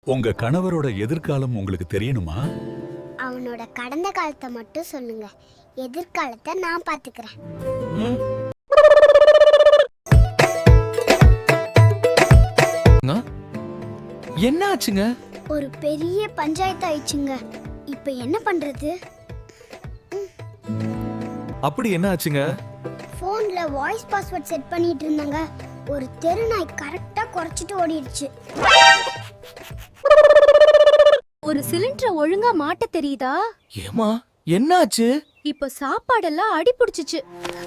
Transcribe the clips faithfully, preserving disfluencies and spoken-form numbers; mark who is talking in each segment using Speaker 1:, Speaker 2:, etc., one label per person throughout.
Speaker 1: உங்க கணவரோட எதிர்காலம் உங்களுக்கு தெரியணுமா?
Speaker 2: அவனோட கடந்த காலத்தை மட்டும் சொல்லுங்க, எதிர்காலத்தை நான் பாத்துக்கிறேன்.
Speaker 3: என்ன ஆச்சுங்க?
Speaker 2: ஒரு பெரிய பஞ்சாயத்து ஆயிடுச்சுங்க. இப்ப என்ன பண்றது?
Speaker 3: அப்படி என்ன ஆச்சுங்க?
Speaker 2: போன்ல வாய்ஸ் பாஸ்வேர்ட் செட் பண்ணிட்டு இருந்தாங்க. ஒரு தெரு நாய் கரெக்டா குறைச்சிட்டு ஓடிடுச்சு.
Speaker 4: ஒரு சிலிண்டரை ஒழுங்கா மாட்ட தெரியுதா?
Speaker 3: ஏமா என்ன ஆச்சு?
Speaker 4: இப்ப சாப்பாடெல்லாம் அடி பிடிச்சிச்சு.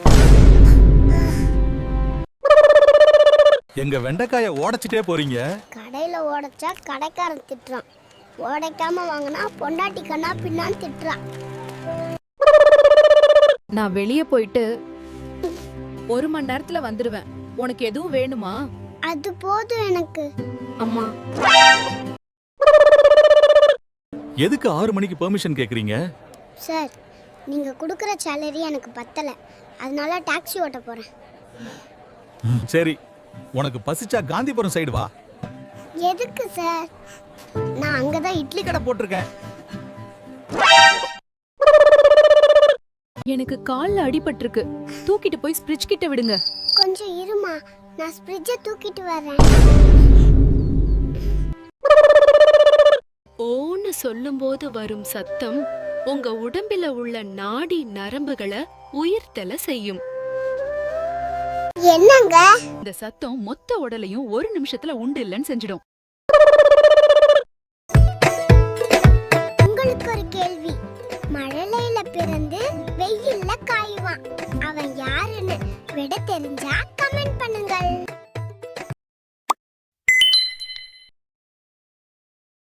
Speaker 1: எங்க வெண்டைக்காய உடைச்சிட்டே போறீங்க.
Speaker 2: கடையில உடைச்சா கடைக்காரன் திட்டுறான், உடைக்காம வாங்கினா பொண்டாட்டி கண்ணா பின்னான்னு திட்டுறான்.
Speaker 5: நான் வெளிய போயிட்டு ஒரு மணி நேரத்துல வந்துருவேன். உனக்கு எதுவும் வேணுமா?
Speaker 2: அது போதும் எனக்கு.
Speaker 5: அம்மா,
Speaker 1: எதுக்கு ஆறு மணிக்கு பெர்மிஷன் கேக்குறீங்க?
Speaker 2: சார், நீங்க கொடுக்குற சேலரி எனக்கு பத்தல, அதனால டாக்ஸி ஓட்ட போறேன்.
Speaker 1: சரி, உனக்கு பசிச்சா காந்திபுரம் சைடு வா.
Speaker 2: எதுக்கு சார்? நான் அங்கதான் இட்லி
Speaker 1: கடை போட்டிருக்கேன்.
Speaker 5: எனக்கு கால்ல அடிபட்டிருக்கு. தூக்கிட்டு போய் ஃப்ரிட்ஜ் கிட்ட விடுங்க.
Speaker 2: கொஞ்சம் இருமா, நான் ஃப்ரிட்ஜை தூக்கிட்டு வரேன்.
Speaker 4: ஓன்னு சொல்லும்போது வரும் சத்தம் உங்க உடம்பில உள்ள நாடி நரம்புகளை உயிர்த்தல செய்யும்.
Speaker 2: என்னங்க?
Speaker 5: இந்த சத்தம் மொத்த உடலையும் ஒரு நிமிஷத்துல உண்டு இல்லைன்னு செஞ்சிடும்.
Speaker 2: உங்களுக்கு ஒரு கேள்வி. மழலையில பிறந்து வெயில்ல காயுவான், அவன் யாருன்னு விட தெரிஞ்சா கமெண்ட் பண்ணுங்கள்.